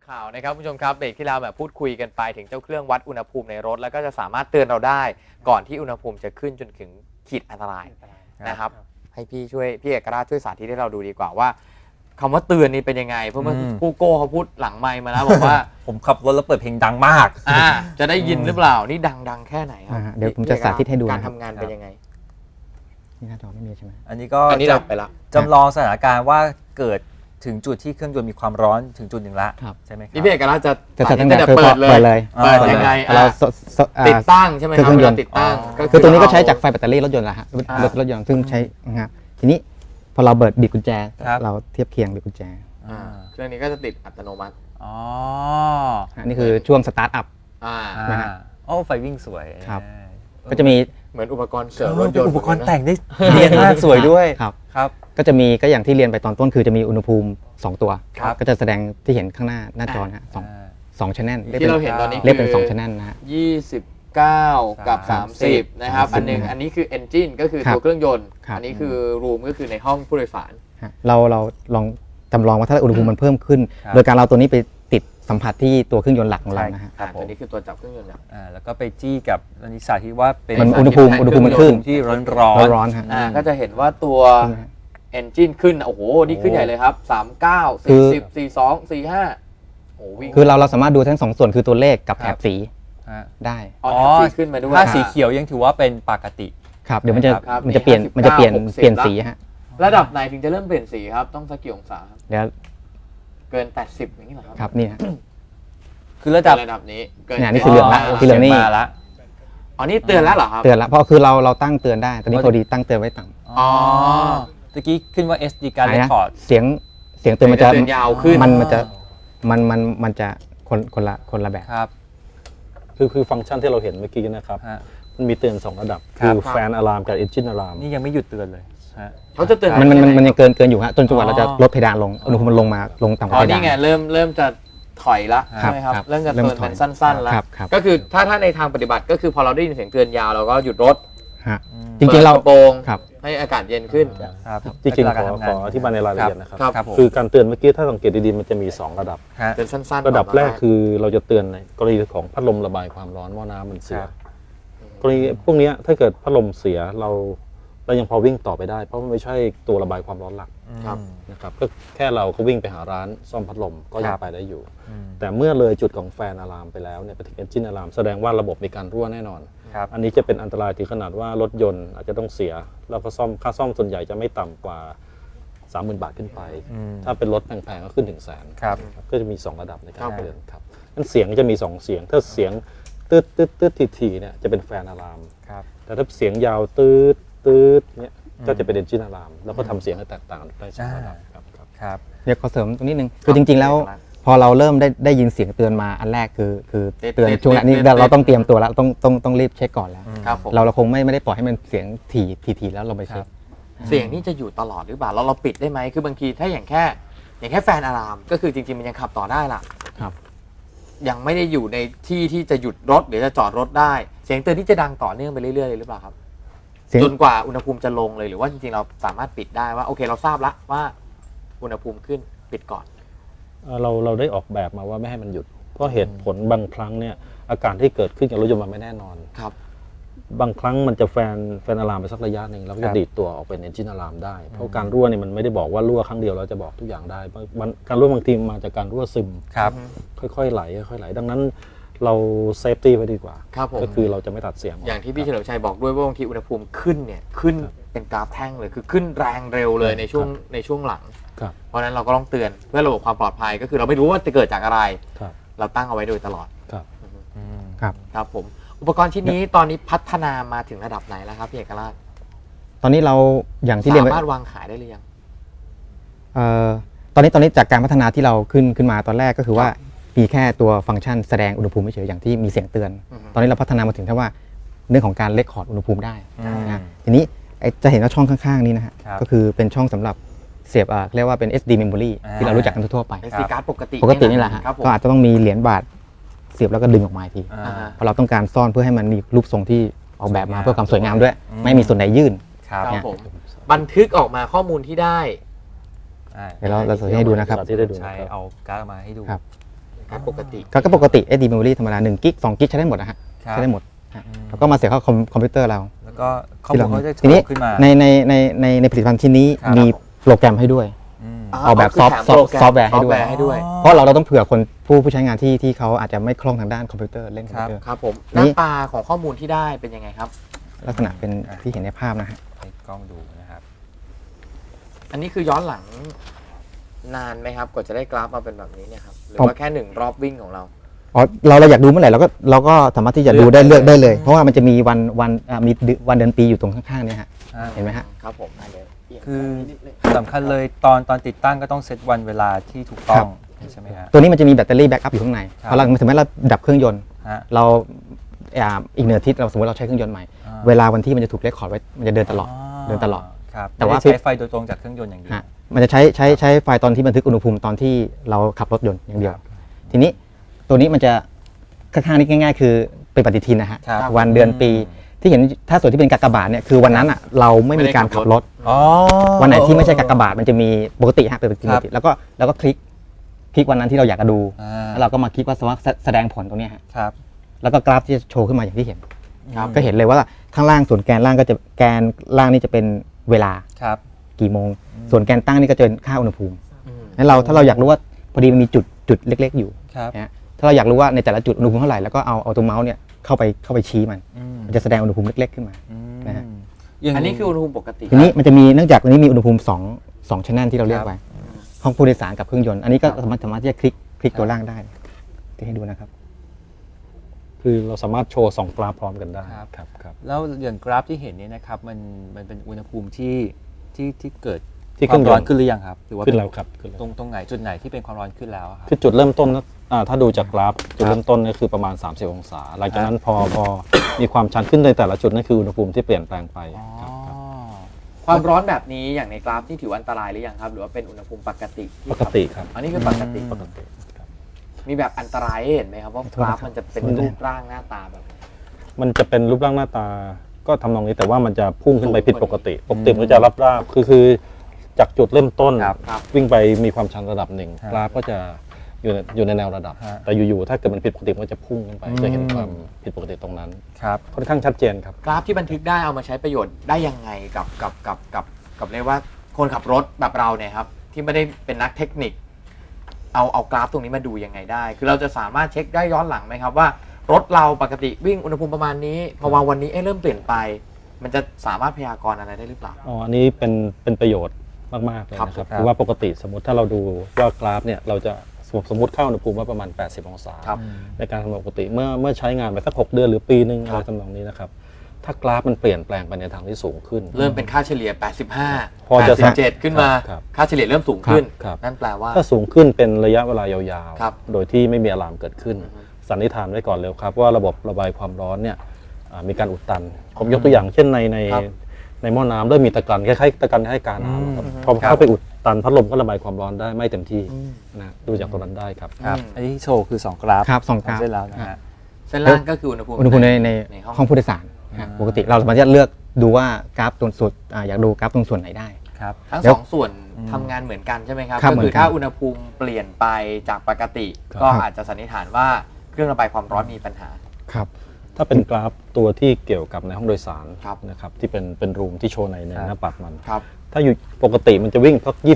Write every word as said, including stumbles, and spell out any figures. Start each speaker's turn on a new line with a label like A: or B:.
A: ข่าวนะครับผู้ชมครับเบรกที่เราแบบพูดคุยกันไปถึงเจ้าเครื่องวัดอุณหภูมิในรถแล้วก็จะสามารถเตือนเราได้ก่อนที่อุณหภูมิจะขึ้นจนถึงขีดอันตรายนะครับให้พี่ช่วยพี่เอกราชช่วยสาธิตให้เราดูดีกว่าว่าคำว่าเตือนนี่เป็นยังไงเพราะเมื่อกู้โก้เขาพูดหลังไมค์มาแล้วบอกว่า
B: ผมขับรถแล้วเปิดเพลงดังมาก
A: อ่าจะได้ยินหรือเปล่านี่ดังดังแค่ไหนครับ
C: เดี๋ยวผมจะสาธิตให้ดู
A: การทำงานเป็นยังไง
C: นี่หน้าจอไม่มีใช่ไหม
B: อันนี้ก็
A: อันนี้ดับไปละ
B: จำลองสถานการณ์ว่าเกิดถึงจุดที่เครื่องยนต์มีความร้อนถึงจุดหนึ่งละใช่ไหมครับ
A: นี่พี่เอกราชจะ
C: จะตั้ง
A: แต่
C: แต่
A: เปิดเลย
C: เลย
A: เปิดยังไง
C: เรา
A: ติดตั้งใช่ไหมครับ
C: เครื่องยนต์
A: ติดตั้ง
C: คือตัวนี้ก็ใช้จากไฟแบตเตอรี่รถยนต์แหละฮะรถรถยนต์ซึ่งใช้นะครับทีนี้พอเราเปิดบิดกุญแจเราเทียบเคียงบิดกุญแจ
A: เครื่องนี้ก็จะติดอัตโนมัติ
B: อ๋อ
C: นี่คือช่วงสตาร์ทอัพ
A: อ่า
C: นะฮะ
B: โอ้ไฟวิ่งสวย
C: ครับก็จะมี
A: เหมือนอุปกรณ์เสริมรถยนต์
B: อุปกรณ์แต่งได้เนียนมากสวยด้วย
C: ครับ
B: ครับ
C: ก็จะมีก็อย่างที่เรียนไปตอนต้นคือจะมีอุณหภูมิสองตัว
B: ครับ
C: ก็จะแสดงที่เห็นข้างหน้าหน้าจอนะฮะสองสองชั้นแนล
A: ที่เราเห็นตอนนี้
C: เรียกเป็นสองชั้นแนลนะฮะ
A: ยี่สิบเก้ากับ
B: สา
A: สาม ม
B: สิ
A: สิ
B: บ
A: บนะครับอันหนึงอันนี้คือ engine ก็คือ
C: ครับ
A: ตัวเครื่องยนต์
C: ครับ
A: อันนี้คือ room ก็คือในห้องผู้โดยสาร
C: ฮะเราเราลองจำลองว่าถ้าอุณหภูมิมันเพิ่มขึ้น
B: ครับ
C: โดยการเราตัวนี้ไปติดสัมผัสที่ตัวเครื่องยนต์หลักของเรานะฮะ
B: ครับ
A: อ่า
B: ผม
A: ตัวนี้คือตัวจับเครื่องยนต์นะ
B: อ่าแล้วก็ไปจี้กับอันนี้สาธิตว่าเป็น
C: มันอุณหภูมิอุณหภูมิมันขึ้น
B: ที่ร้อนร้อน
C: ร้อนๆฮะ
A: อ่าก็จะเห็นว่าตัว engine ขึ้นโอ้โหนี่ขึ้นใหญ่เลยครับสามสิบเก้า
C: คื
A: สี่
C: อ
A: สิบ สี่สิบสอง สี่สิบห้าโอ้วิ่ง
C: คือเราเราสามารถดูทั้งสองส่วนคือตัวเลขกับแถบสี
B: ฮะ
C: ได้
A: อ๋อแถบสีขึ้นมาด้วย
B: ถ้าสีเขียวยังถือว่าเป็นปกติ
C: ครับเดี๋ยวมันจะ
A: ครับ
C: มันจะเปลี่ยน
A: มี
C: มันจะเปลี่ยน
A: ห้าสิบเก้า
C: เปลี่ยน
A: หกสิบ
C: สีฮะ
A: ระดับไหนถึงจะเริ่มเปลี่ยนสีครับต้องสักกี่องศาครับ
C: เดี๋ยว
A: เกินแปดสิบอย่างนี้เหรอครับ
C: ครับนี่ฮะ
B: คือระดับ
A: ระดับนี้เกิน
C: เนี่ยนี่คือเหลืองละ
B: อ๋อ
C: ที่เหลืองนี่
B: มาละ
A: อ๋อนี่เตือนแล้วเหรอครับ
C: เตือนละเพราะคือเราเราตั้งเตือนได้ตอนนี้พอดีตั้งเตือนไว้ต่ำ
A: อ๋อ
B: ตะกี้ขึ้นว่า เอส ดี การ์ด
C: ไหน
B: เรค
C: นะ
B: คอร์ด
C: เสียงเสียงเตือนมันจะ
A: เตือนยาวขึ้น
C: มันมันจะมันมันมันจะคนคนละคนละแบบ
B: ครับ
D: คือคือฟังก์ชันที่เราเห็นเมื่อกี้นะครับ
B: ฮะ
D: มันมีเตือนสองระดับ
B: ครั
D: คื
B: บ
D: อแฟนอะลามกับเอนจินอะลาม
B: นี่ยังไม่หยุดเตือนเลยฮะ
A: เขาจะเตือน
C: มันมันมันมันยัง
A: เกิน
C: เกินเกินอยู่ฮะจนจังหวะ
B: อ๋อ
C: เราจะลดเพดานลงอุณหภูมิมันลงมาลงต่ำก
A: อ๋
C: ว่า
A: อ
C: เพดา
A: นี่
C: น
A: ไงเริ่มเริ่มจะถอยละ
C: ครั
A: ใช่
C: บ
A: ไหมครับ
C: ครับ
A: เริ่มจะ
C: เริ่ม
A: เตือน
C: ถอย
A: เป็นสั้นๆแล้ว
C: ครับครับ
A: ก็คือถ้าถ้าในทางปฏิบัติก็คือพอเราได้ยินเสียงเตือนยาวเราก็หยุดรถ
C: ฮะจริงๆเรา
A: ปิดกะโปรง
C: ครับ
A: ให้อากาศเย็นขึ้น
B: ครับ
D: จริงๆ
B: ลั
D: ข
B: กษ
D: อ
B: ณะ
D: ขออธิบายในรายละเอียดนะครับ
A: ครับ
B: ครับผม
D: คือการเตือนเมื่อกี้ถ้าสังเกตดีๆมันจะมีสองระดับ
B: ฮะ
A: เตือนสั้นๆ
D: ระดับ
A: ก่น
D: แรกคือเราจะเตือนในกรณีของพัดลมระบายความร้อนหม้อน้ำมันเสีย
B: ครับ
D: กรณีพวกเนี้ยถ้าเกิดพัดลมเสียเราเรายังพอวิ่งต่อไปได้ เพราะมันไม่ใช่ตัวระบายความร้อนหลัก
A: ครับ
D: นะครับก็แค่เราก็วิ่งไปหาร้านซ่อมพัดลมก็ยั
B: ค
D: ง
B: รับ
D: ไปได้อยู่
B: อืม
D: แต่เมื่อเลยจุดของแฟนอะลามไปแล้วเนี่ยไปถึงเอนจินอะลามแสดงว่าระบบมีการรั่วแน่นอน
B: ครับ
D: อันนี้จะเป็นอันตรายถึงขนาดว่ารถยนต์อาจจะต้องเสีย แล้วก็ซ่อมค่าซ่อมส่วนใหญ่จะไม่ต่ำกว่า สามหมื่น บาทขึ้นไป
B: อืม
D: ถ้าเป็นรถแพงๆก็ขึ้นถึงแสน
B: ครับ
D: ก็จะมี สอง ระดับใน
A: ค
D: กา
A: รั
D: ร
A: บ
D: เตือนครับนั่นเสียงจะมี สอง เสียง ถ้าเสียงตืดตืดตืดทีทีๆเนี่ยจะเป็นแฟนอะลาม
B: ครับ
D: แต่ถ้าเสียงยาวตืดตืดเนี่ยก็จะเป็นเอนจินอะลามแล้วก็ทำเสียงให้แตกต่างได้สองระดับครับครับ
B: ครับ
C: เดี๋ยวขอเสริมตรงนิดนึงคือจริง ๆ แล้ว พอเราเริ่มได้ได้ยินเสียงเตือนมาอันแรกคือคือเตือนช่วงนี้เราต้องเตรียมตัวแล้วต้องต้องต้องรีบเช็คก่อนแล้ว
A: ครับผม
C: เราเราคงไม่ไม่ได้ปล่อยให้มันเสียงถี่ถี่ถี่แล้วเราไปเช็ค
A: เสียงนี่จะอยู่ตลอดหรือเปล่าเราเราปิดได้ไหมคือบางทีถ้าอย่างแค่อย่างแค่แฟนอะลามก็คือจริงๆมันยังขับต่อได้ล่ะ
C: ครับ
A: ยังไม่ได้อยู่ในที่ที่จะหยุดรถหรือจะจอดรถได้ เสียงเตือนที่จะดังต่อเนื่องไปเรื่อยๆเลยหรือเปล่าครับ
C: เสียง
A: จนกว่าอุณหภูมิจะลงเลยหรือว่าจริงๆเราสามารถปิดได้ว่าโอเคเราทราบละว่าอุณหภูมิขึ้นปิดก่อน
D: เอ่อเราเราได้ออกแบบมาว่าไม่ให้มันหยุด เพราะเหตุผลบางครั้งเนี่ยอาการที่เกิดขึ้นกับรถยนต์มันไม่แน่นอน
A: ครับ
D: บางครั้งมันจะแฟนแฟนอะลามไปสักระยะหนึ่งแล้วก็
B: ครั
D: จะ
B: บ
D: ดีดตัวออกเป็นเอนจินอะลามได้ เพราะการรั่วเนี่ยมันไม่ได้บอกว่ารั่วครั้งเดียวเราจะบอกทุกอย่างได้มันการรั่วบางทีมาจากการรั่วซึม
B: ครับ
D: ค่อยๆไหลค่อยๆไหล ดังนั้นเราเซฟตี้ไว้ดีกว่า
A: ครับผม
D: ก็คือเราจะไม่ตัดเสียงก
A: อย่างที่พี่เฉลิมชัยบอกด้วยว่าบางทีอุณหภูมิขึ้นเนี่ยขึ้นเป็นกราฟแท่งเลยคือขึ้นแรงเร็วเลยในช่วงในช่วงหลัง
D: ครับ
A: เพราะฉะนั้นเราก็ต้องเตือนเพื่อระบบความปลอดภัยก็คือเราไม่รู้ว่าจะเกิดจากอะไร
D: ครับ
A: เราตั้งเอาไว้โดยตลอด
D: ครับ
B: อืม
C: ครับ
A: ครับผมอุปกรณ์ชิ้นนี้ตอนนี้พัฒนามาถึงระดับไหนแล้วครับพี่เอกราช
C: ตอนนี้เราอย่างที่เรียน
A: สา
C: ไป
A: มารถวางขายได้หรือยัง
C: เอ่อตอนนี้ตอนนี้จากการพัฒนาที่เราขึ้นขึ้นมาตอนแรกก็คือว่ามีแค่ตัวฟังก์ชันแสดงอุณหภูมิเฉยๆอย่างที่มีเสียงเตือน
A: อือฮึ
C: ตอนนี้เราพัฒนามาถึงที่ว่าเรื่องของการเลคคอร์ดอุณหภูมิได้
B: อืม
C: นะทีนี้ไอ้จะเห็นว่าช่องข้างๆนี้นะฮะ
B: ครับ
C: ก็คือเป็นช่องสำหรับเสียบอ่าเรียกว่าเป็น เอส ดี memory
B: อ่า
C: ที่เรารู้จักกันทั่วๆไป
A: เอสดีการ์ดปกติ
C: ปกตินี่แหละฮะ
A: ครับผม
C: ก็อาจจะต้องมีเหรียญบาทเสียบแล้วก็ดึงออกมาอีกที
B: อ่า
A: อ่า
C: เพราะเราต้องการซ่อนเพื่อให้มันมีรูปทรงที่ออกแบบมา
B: สวยงาม
C: เพื่อความสวยงามด้วย
B: อืม
C: ไม่มีส่วนไหนยื่น
B: ครับ
A: ครับผมบันทึกออกมาข้อมูลที่ได้
B: อ่า
C: เดี๋ยวเราเราจะให้ดูนะครับ
D: สาธิตให้ดูนะ
B: ใช้
D: ครับ
B: เอาการ์ดมาให้ดู
C: ครับ
A: โการ์ดปกติ
C: ก็ก็ปกติ เอส ดี memory ธรรมดาหนึ่งกิกสองกิกใช้ได้หมดนะฮะ
B: ครับ
C: ใช้ได้หมดฮะแล้วก็มาเสียบเข้าคอมคอมพิวเตอร์เรา
B: แล้วก็ข้อมูลเขาจะ
C: ทีนี้
B: โชว์ขึ้นมา
C: ในในในในในผลิตภัณฑ์ชิ้นนี้
B: ครับ
C: มีโปรแกรมให้ด้วย
B: อืม
C: ออกแบบ
A: คืแถม
C: ซอฟต์
A: โปรกม
C: ซอฟต์แวร์ให้ด้วย
A: ซอฟต์ให้ด้วย
C: เพราะเราเราต้องเผื่อคนผู้ผู้ใช้งานที่ที่เขาอาจจะไม่คล่องทางด้านคอมพิวเตอร์เล่นคอมพิวเตอร์
A: ครับผมห
C: นี่
A: น้าตาของข้อมูลที่ได้เป็นยังไงครับ
C: ลักษณะเป็นที่เห็นในภาพนะฮะ
B: ให้กล้องดูนะครับ
A: อันนี้คือย้อนหลังนานไหมครับกว่าจะได้กราฟมาเป็นแบบนี้เนี่ยครับหรือ
C: ผม
A: ว่าแค่หนึ่งรอบวิ่งของเรา
C: อ๋อเราเราอยากดูเมื่อไหร่เราก็เราก็สามารถที่จะดูได้
A: เลื
C: เลื
A: อ
C: อก ก
A: ได้
C: ได้
A: เล
C: เลย ย เพราะว่ามันจะมีวันวันอ่ามีเดือนวันเดือนปีอยู่ตรงข้างๆเนี่ยฮะ
B: อ่า
C: เห็นไหมฮะ
A: ครับผมได้เลยเปลี่ยน
B: คือ
A: นิดนึง
B: สำคัญเลยตอนตอนติดตั้งก็ต้องเซตวันเวลาที่ถูกต้องใช่ไหมฮะ
C: ตัวนี้มันจะมีแบตเตอรี่แบ็กอัพอยู่ข้างใน
B: ครับ
C: พอเราถึงแม้เราดับเครื่องยนต์
B: ฮะ
C: เราอ่าอีกหนึ่งอาทิตย์เราสมมติเราใช้เครื่องยนต์ใหม่
B: อ่า
C: เวลาวันที่มันจะถูกเรคคอร์ดไว้มันจะเดินตลอด เดินตลอด
B: ครับ
C: แต่ว่า
B: ไม่ได้ใช้ไฟโดยตรงจากเครื่องยนต์อย่างเดียว
C: ฮะมันจะใช้ใช้ใช้ไฟล์ตอนที่บันทึกอุณหภูมิตอนที่เราขับรถยนต์อย่างเดียว ทีนี้ตัวนี้มันจะข้างๆนี้ง่ายๆ คือเป็นปฏิทินนะฮะ
B: ครับ
C: วันเดือนปีที่เห็นถ้าส่วนที่เป็นกากบาทเนี่ยคือวันนั้นอ่ะเราไม่มีการขับรถ
B: อ๋อ
C: วันไหนที่ไม่ใช่กากบาทมันจะมีปกติฮะเป็นปกติ
B: ครับ
C: แล้วก็แล้วก็คลิกคลิกวันนั้นที่เราอยากจะดู
B: อ่า
C: แล้วเราก็มาคลิกว่าสมมติว่าแสดงผลตรงเนี้ยฮะ
B: ครับ
C: แล้วก็กราฟที่จะโชว์ขึ้นมาอย่างที่เห็น
B: ครับ
C: ก็เห็นเลยว่าข้างล่างส่วนแกนล่างก็จะแกนล่างนี่จะเป็นเวลา
B: ครับ
C: กี่โมง ส่วนแกนตั้งนี่ก็จะเป็นค่าอุณหภูมิ
A: อืม
C: งั้นเราถ้าเราอยากรู้ว่าพอดีมันมีจุดจุดเล็ก ๆ อยู่
B: ครับ
C: นะฮะถ้าเราอยากรู้ว่าในแต่ละจุดอุณหภูมิเท่าไหร่แล้วก็เอาเอาตัวเมาส์เนี่ยเข้าไปเข้าไปชี้มัน
B: อืม
C: มันจะแสดงอุณหภูมิเล็ก ๆ ขึ้นมา
B: อืม
C: นะฮะ
B: ย่าง
A: อันนี้คืออุณหภูมิปกติ
C: ทีนี้มันจะมีเนื่องจากตัวนี้มีอุณหภูมิสองสองชั้นที่เราเรียกไว้ห้องผู้โดยสารกับเครื่องยนต์อันนี้ก็สามารถสามารถที่จะคลิกคลิกตัวล่างได้ที่ให้ดูนะครับ
D: คือเราสามารถโชว์สองกราฟพร้อมกันได้
B: ครับ
D: ครับครับ
B: แล้วอย่างกราฟที่เห็นเนี่ยนะครับมันมันเป็นอุณหภูมิที่ที่ที่เกิด
D: ที่
B: ความร้อน
D: เครื่องยนต์
B: ขึ้นหรือยังครับหรือว่า
D: ขึ้นแล้วครับขึ้นแล้ว
B: ตรงตรงไหนจุดไหนที่เป็นความร้อนขึ้นแล้วอะครับ
D: คือจุดเริ่มต้นนะอ่าถ้าดูจากกราฟจุดเริ่มต้นเนี่ยคือประมาณ สามสิบ องศา หลังจากนั้นพอพอมีความชันขึ้นในแต่ละจุดนั่นคืออุณหภูมิที่เปลี่ยนแปลงไปครับครับ
A: ความร้อนแบบนี้อย่างในกราฟที่ถือว่าอันตรายหรือยังครับ หรือว่าเป็นอุณหภูมิปกติที่
D: ปกติครับ
A: อันนี้คือปกติ
B: อืม
D: ปกติครับ
A: มีแบบอันตรายให้เห็นไหมครับว่ากราฟมันจะเป็นรูปร่างหน้าตาแบบไหน
D: มันจะเป็นรูปร่างหน้าตาก็ทำนองนี้แต่ว่ามันจะพุ่งขึ้นไป
A: สูง
D: ผิดปกติ ปกติ
B: อืม
D: มันจะรับราบคือคือจากจุดเริ่มต้น
B: ครับ
A: ครับ
D: วิ่งไปมีความชันระดับหนึ่ง
B: ครับ
D: กราฟก็จะอยู่ในอยู่ในแนวระดับ
B: ฮะ
D: แต่อยู่ๆถ้าเกิดมันผิดปกติมันก็จะพุ่งขึ้นไป
B: อืม
D: จะเห็นความผิดปกติตรงนั้น
B: ครับ
D: ค่อนข้างชัดเจนครับ
A: กราฟที่บันทึกได้เอามาใช้ประโยชน์ได้ยังไงกับกับกับกับกับเรียกว่าคนขับรถแบบเราเนี่ยครับที่ไม่ได้เป็นนักเทคนิค เอาเอากราฟตรงนี้มาดูยังไงได้ คือเราจะสามารถเช็คได้ย้อนหลังไหมครับว่ารถเราปกติวิ่งอุณหภูมิประมาณนี้พอวางวันนี้เอ๊ะเริ่มเปลี่ยนไป มันจะสามารถพยากรณ์อะไรได้หรือเปล่า
D: อ๋อ อันนี้เป็นเป็นประโยชน์มาก ๆ เลย
A: ครับ
D: นะครับ
B: ครับ
D: คือว่าปกติสมมติถ้าเราดูว่ากราฟเนี่ยเราจะสมมติสมมติเข้าอุณหภูมิว่าประมาณ แปดสิบ องศา
A: ครับ
D: ในการทำงานปกติเมื่อเมื่อใช้งานไปสักหกเดือนหรือปีหนึ่ง
A: ค
D: อะ
A: รับ
D: ไรทำนองนี้นะครับ ถ้ากราฟมันเปลี่ยนแปลงไปในทางที่สูงขึ้น
A: เริ่มเป็นค่าเฉลี่ย แปดสิบห้า
D: พอจะ
A: แปดสิบเจ็ดขึ้นมา
D: ครับ
A: ค่าเฉลี่ยเริ่มสูงขึ้น
D: ครับ
A: นั่นแปลว่า
D: ถ้าสูงขึ้นเป็นระยะเวลายาว
A: ครับ
D: ๆ โดยที่ไม่มีอะลามเกิดขึ้น สันนิษฐานไว้ก่อนเลยครับว่าระบบระบายความร้อนเนี่ยอ่ามีการอุดตัน ผมยกตัวอย่างเช่นในใน
A: ครับ
D: ในหม้อน้ำเริ่มมีตะกันคล้ายๆตะกันให้การน้ำครับพอเข้าไปอุดตันพัดลมก็ระบายความร้อนได้ไม่เต็มที่นะดูจากตรงนั้นได้ครับ
B: ครับ
A: อืม
B: อันนี้โชว์คือสองกราฟ
C: ครับสองกราฟ
B: เสร็จแล้วนะฮะ
A: เส้นล่างก็คืออุณหภูมิ
C: อุณหภูมิในใน
A: ในห้อง
C: ห้องผู้โดยสารนะฮะปกติเราสามารถที่จะเลือกดูว่ากราฟตรงส่วนอ่าอยากดูกราฟตรงส่วนไหนได้
B: ครับ
A: ทั้ง
C: เดี๋
A: ส
C: ยว
A: องส่วนทำงานเหมือนกันใช่ไหมครับ
C: ครับ
A: ก็
C: เหมื
A: คือ
C: อนกัน
A: ถ้าอุณหภูมิเปลี่ยนไปจากปกติ
D: ครับ
A: ก็อาจจะสันนิษฐานว่าเครื่องระบายความร้อนมีปัญหา
C: ครับ
D: ถ้าเป็นกราฟตัวที่เกี่ยวกับในห้องโดยสาร
A: ครับ
D: นะครับที่เป็นเป็นรูมที่โชว์ในใน
B: ครับ
D: หน้าปัดมัน
A: ครับ
D: ถ้าอยู่ปกติมันจะวิ่งสัก